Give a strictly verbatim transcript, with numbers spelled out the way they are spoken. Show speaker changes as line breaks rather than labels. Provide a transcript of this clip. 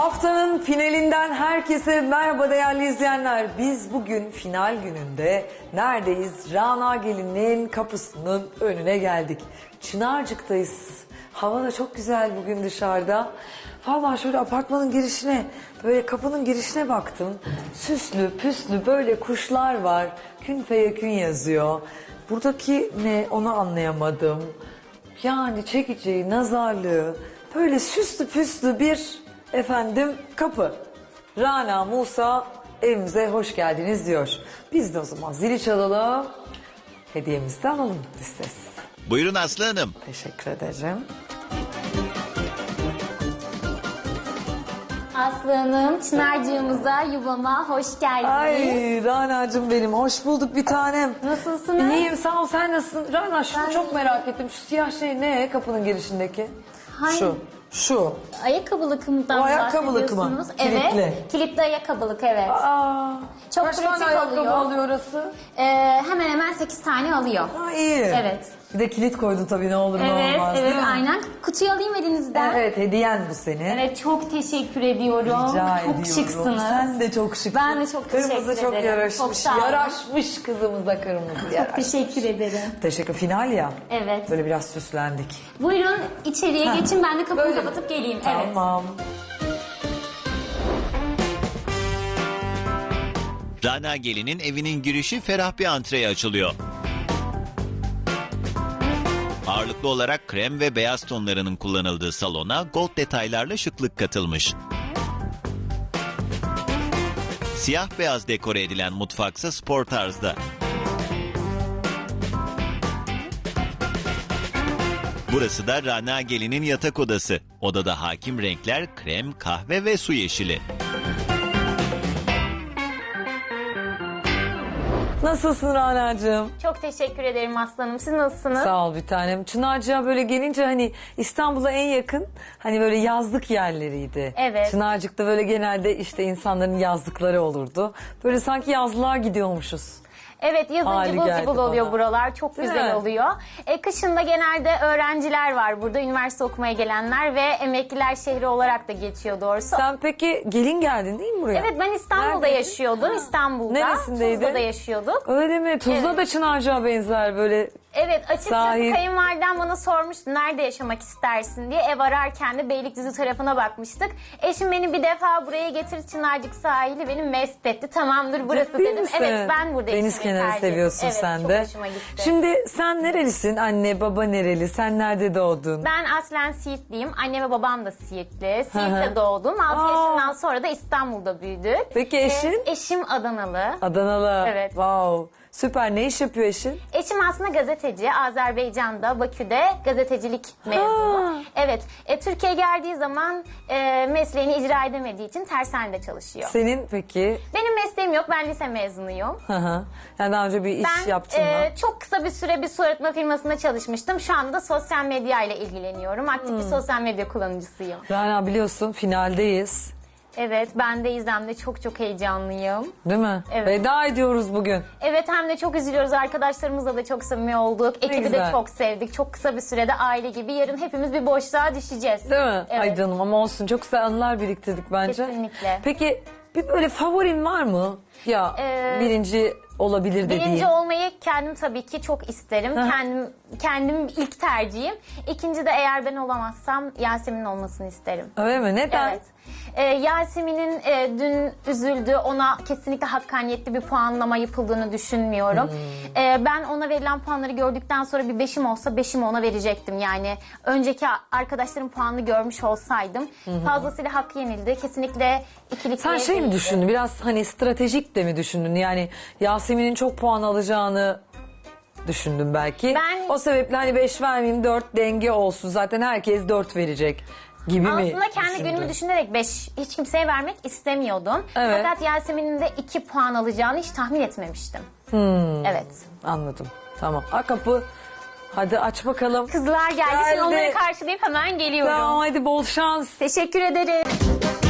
Haftanın finalinden herkese merhaba değerli izleyenler. Biz bugün final gününde neredeyiz? Rana Gelin'in kapısının önüne geldik. Çınarcık'tayız. Hava da çok güzel bugün dışarıda. Vallahi şöyle apartmanın girişine, böyle kapının girişine baktım. Süslü püslü böyle kuşlar var. Kün feyekün yazıyor. Buradaki ne onu anlayamadım. Yani çekeceği, nazarlığı, böyle süslü püslü bir efendim kapı. Rana Musa evimize hoş geldiniz diyor. Biz de o zaman zili çalalım. Hediyemizi de alalım listesi.
Buyurun Aslı Hanım.
Teşekkür ederim.
Aslı Hanım, Çınarcığımıza, yuvama hoş geldiniz.
Ay Rana'cığım benim hoş bulduk bir tanem.
Nasılsınız?
İyiyim sağ ol, sen nasılsın? Rana şunu
Ben
çok
iyiyim.
merak ettim. Şu siyah şey ne kapının girişindeki?
Hangi?
Şu. Şu.
Ayakkabılık mıdan
O ayakkabılık mı?
bahsediyorsunuz?
Kilitli.
Evet, kilitli ayakkabılık, evet.
Aa,
Çok
kaç tane
pratik
ayakkabı
oluyor.
alıyor orası?
Ee, hemen hemen sekiz tane alıyor.
Ha iyi.
Evet.
Bir de kilit koydun tabii ne olur ne
Evet,
olmaz
evet,
değil mi?
aynen. Kutuyu alayım elinizden.
Evet hediyen bu senin.
Evet, çok teşekkür ediyorum.
Rica
çok
ediyorum.
şıksınız.
Sen de çok şıksın.
Ben de çok
Kırmızı
teşekkür
çok
ederim.
yaraşmış.
Çok sağ olun.
Yaraşmış kızımıza kırmızı
Çok
yaraşmış.
teşekkür ederim.
Teşekkür. Final ya.
Evet.
Böyle biraz süslendik.
Buyurun içeriye
Ha,
geçin, ben de kapımı
böyle mi?
kapatıp geleyim. Evet.
Tamam.
Rana Gelin'in evinin girişi ferah bir antreye açılıyor. Ağırlıklı olarak krem ve beyaz tonlarının kullanıldığı salona gold detaylarla şıklık katılmış. Siyah beyaz dekore edilen mutfaksa spor tarzda. Burası da Rana Gelin'in yatak odası. Odada hakim renkler krem, kahve ve su yeşili.
Nasılsın Rana'cığım?
Çok teşekkür ederim aslanım. Siz nasılsınız?
Sağ ol bir tanem. Çınarcık'a böyle gelince hani İstanbul'a en yakın hani böyle yazlık yerleriydi.
Evet.
Çınarcık'ta böyle genelde işte insanların yazlıkları olurdu. Böyle sanki yazlığa gidiyormuşuz.
Evet, yazın
Hali
cıvıl
geldi
cıvıl oluyor
bana.
buralar. Çok
Değil
güzel
mi?
oluyor. E, kışında genelde öğrenciler var burada. Üniversite okumaya gelenler ve emekliler şehri olarak da geçiyor doğrusu.
Sen peki gelin geldin değil mi buraya?
Evet, ben İstanbul'da
Neredeydin?
yaşıyordum. İstanbul'da.
Neresindeydin?
Tuzla'da yaşıyorduk.
Öyle mi? Tuzla
Evet.
da Çınarcık'a benzer böyle.
Evet, açıkçası
Sahil.
kayınvalidem bana sormuştu nerede yaşamak istersin diye. Ev ararken de Beylikdüzü tarafına bakmıştık. Eşim beni bir defa buraya getir, Çınarcık sahili beni mest etti. Tamamdır burası
Ciddi
dedim.
misin?
Evet, ben burada
Deniz
yaşamayı
kenarı
tercih
seviyorsun
ettim.
sen
evet,
de.
çok hoşuma gitti.
Şimdi sen nerelisin? Anne baba nereli? Sen nerede doğdun?
Ben aslen Siirtliyim. Annem ve babam da Siirtli.
Hı hı.
Siirt'te doğdum. altı
Aa.
yaşından sonra da İstanbul'da büyüdük.
Peki
Ee,
eşin?
eşim Adanalı.
Adanalı.
Evet.
Wow. Süper. Ne iş yapıyor eşin?
Eşim aslında gazeteci. Azerbaycan'da, Bakü'de gazetecilik mezunu.
Ha.
Evet. E, Türkiye'ye geldiği zaman e, mesleğini icra edemediği için tersanede çalışıyor.
Senin peki?
Benim mesleğim yok. Ben lise mezunuyum.
Hı hı. Yani daha önce bir iş
Ben
yaptın
e,
mı?
çok kısa bir süre bir su arıtma firmasında çalışmıştım. Şu anda sosyal medya ile ilgileniyorum. Aktif
Hmm.
bir sosyal medya kullanıcısıyım.
Rana biliyorsun finaldeyiz.
Evet, ben de İzlem'de çok çok heyecanlıyım.
Değil mi?
Evet.
Veda ediyoruz bugün.
Evet, hem de çok üzülüyoruz. Arkadaşlarımızla da çok samimi olduk. Ekibi de
güzel.
çok sevdik. Çok kısa bir sürede aile gibi. Yarın hepimiz bir boşluğa düşeceğiz.
Değil mi?
Evet.
Ay canım ama olsun. Çok güzel anılar biriktirdik bence.
Kesinlikle.
Peki bir böyle favorin var mı? Ya
Ee,
birinci olabilir dediğin.
Birinci olmayı kendim tabii ki çok isterim.
Hı.
Kendim kendim ilk tercihim. İkinci de eğer ben olamazsam Yasemin olmasını isterim.
Öyle mi? Neden?
Evet. Ee, Yasemin'in e, dün üzüldü. Ona kesinlikle hakkaniyetli bir puanlama yapıldığını düşünmüyorum.
Hmm.
Ee, ben ona verilen puanları gördükten sonra bir beşim olsa beşimi ona verecektim. Yani önceki arkadaşlarım puanını görmüş olsaydım fazlasıyla hakkı yenildi. Kesinlikle ikilik
Sen
bir
şey mi
değildi.
düşündün? Biraz hani stratejik de mi düşündün? Yani Yasemin'in çok puan alacağını düşündüm belki.
Ben-
O sebeple hani beş vermeyeyim dört denge olsun. Zaten herkes dört verecek gibi mi
Aslında kendi
düşündün?
günümü düşünerek beş hiç kimseye vermek istemiyordum.
Evet.
Fakat Yasemin'in de iki puan alacağını hiç tahmin etmemiştim.
Hmm.
Evet.
Anladım. Tamam. A kapı. Hadi aç bakalım.
Kızlar geldi.
Geldi.
Şimdi onları karşılayıp hemen geliyorum.
Tamam hadi bol şans.
Teşekkür ederim.